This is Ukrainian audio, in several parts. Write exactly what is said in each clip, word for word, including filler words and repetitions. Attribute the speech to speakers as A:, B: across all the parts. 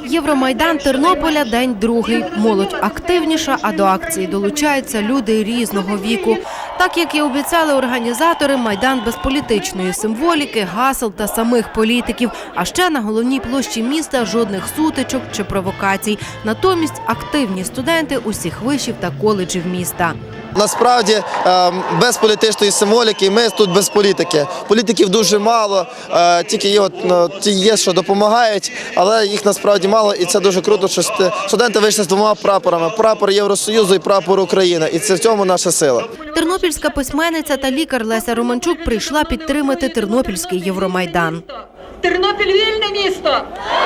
A: Євромайдан Тернополя – день другий. Молодь активніша, а до акції долучаються люди різного віку. Так, як і обіцяли організатори, Майдан без політичної символіки, гасел та самих політиків. А ще на головній площі міста жодних сутичок чи провокацій. Натомість активні студенти усіх вишів та коледжів міста.
B: Насправді, без політичної символіки ми тут без політики. Політиків дуже мало, тільки є, ті є, що допомагають, але їх насправді мало. І це дуже круто, що студенти вийшли з двома прапорами – прапор Євросоюзу і прапор України. І це в цьому наша сила.
A: Тернопільська письменниця та лікар Леся Романчук прийшла підтримати Тернопільський Євромайдан.
C: Тернопіль – вільне місто!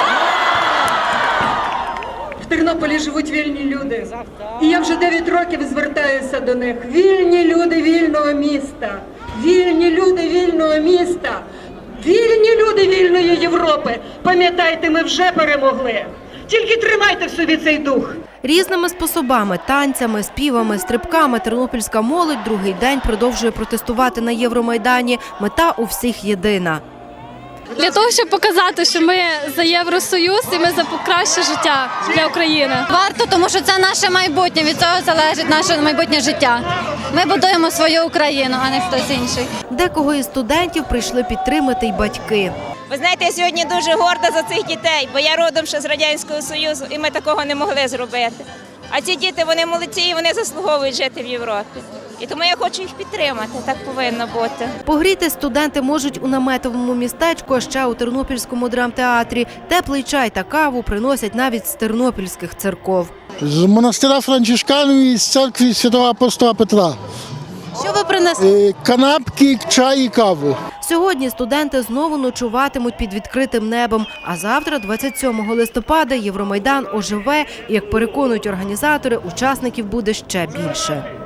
C: В Тернополі живуть вільні люди. І я вже дев'ять років звертаюся до них. Вільні люди вільного міста. Вільні люди вільного міста. Вільні люди вільної Європи. Пам'ятайте, ми вже перемогли. Тільки тримайте в собі цей дух.
A: Різними способами – танцями, співами, стрибками – тернопільська молодь другий день продовжує протестувати на Євромайдані. Мета у всіх єдина.
D: Для того, щоб показати, що ми за Євросоюз і ми за краще життя для України.
E: Варто, тому що це наше майбутнє, від цього залежить наше майбутнє життя. Ми будуємо свою Україну, а не хтось інший.
A: Декого із студентів прийшли підтримати й батьки.
F: Ви знаєте, я сьогодні дуже горда за цих дітей, бо я родом ще з Радянського Союзу, і ми такого не могли зробити. А ці діти, вони молодці, і вони заслуговують жити в Європі. І тому я хочу їх підтримати, так повинно бути.
A: Погріти студенти можуть у наметовому містечку, а ще у Тернопільському драмтеатрі. Теплий чай та каву приносять навіть з тернопільських церков.
G: З монастиря Франчишканів і з церкви Святого апостола Петра.
E: Що ви принесли?
G: Канапки, чай і каву.
A: Сьогодні студенти знову ночуватимуть під відкритим небом. А завтра, двадцять сьомого листопада, Євромайдан оживе і, як переконують організатори, учасників буде ще більше.